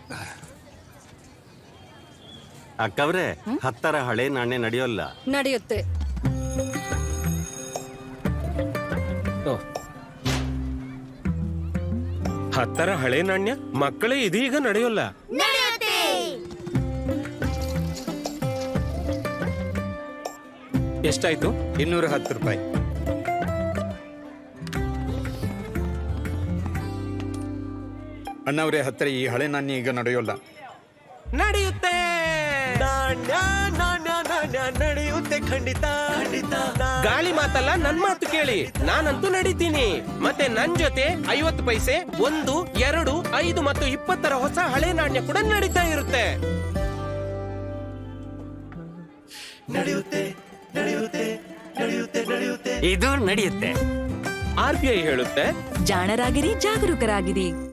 ಅಕ್ಕವ್ರೆ, 10ರ ಹಳೆ ನಾಣ್ಯ ನಡೆಯೋಲ್ಲ. ನಡೆಯುತ್ತೆ. ಓ. 10ರ ಹಳೆ ನಾಣ್ಯ ಮಕ್ಕಳೇ ಇದೀಗ ನಡೆಯೋಲ್ಲ. ಎಷ್ಟಾಯ್ತು? 210 ರೂಪಾಯಿ. ಅಣ್ಣವ್ರೆ, 10ರ ಈ ಹಳೆ ನಾಣ್ಯ ಈಗ ನಡೆಯೋಲ್ಲ. ನಡೆಯುತ್ತೆ. ನಾಣ್ಯ ನಾಣ್ಯ ನಾಣ್ಯ ನಡೆಯುತ್ತೆ, ಖಂಡಿತ ಖಂಡಿತ. ಗಾಳಿ ಮಾತಲ್ಲ, ನನ್ ಮಾತು ಕೇಳಿ. ನಾನಂತೂ ನಡೀತೀನಿ. ಮತ್ತೆ ನನ್ ಜೊತೆ 50 ಪೈಸೆ, 1, 2, 5 ಮತ್ತು 20ರ ಹೊಸ ಹಳೆ ನಾಣ್ಯ ಕೂಡ ನಡೀತಾ ಇರುತ್ತೆ. ನಡೆಯುತ್ತೆ ನಡೆಯುತ್ತೆ ನಡೆಯುತ್ತೆ ನಡೆಯುತ್ತೆ. ಇದು ನಡೆಯುತ್ತೆ. RBI ಹೇಳುತ್ತೆ, ಜಾಣರಾಗಿರಿ, ಜಾಗರೂಕರಾಗಿರಿ.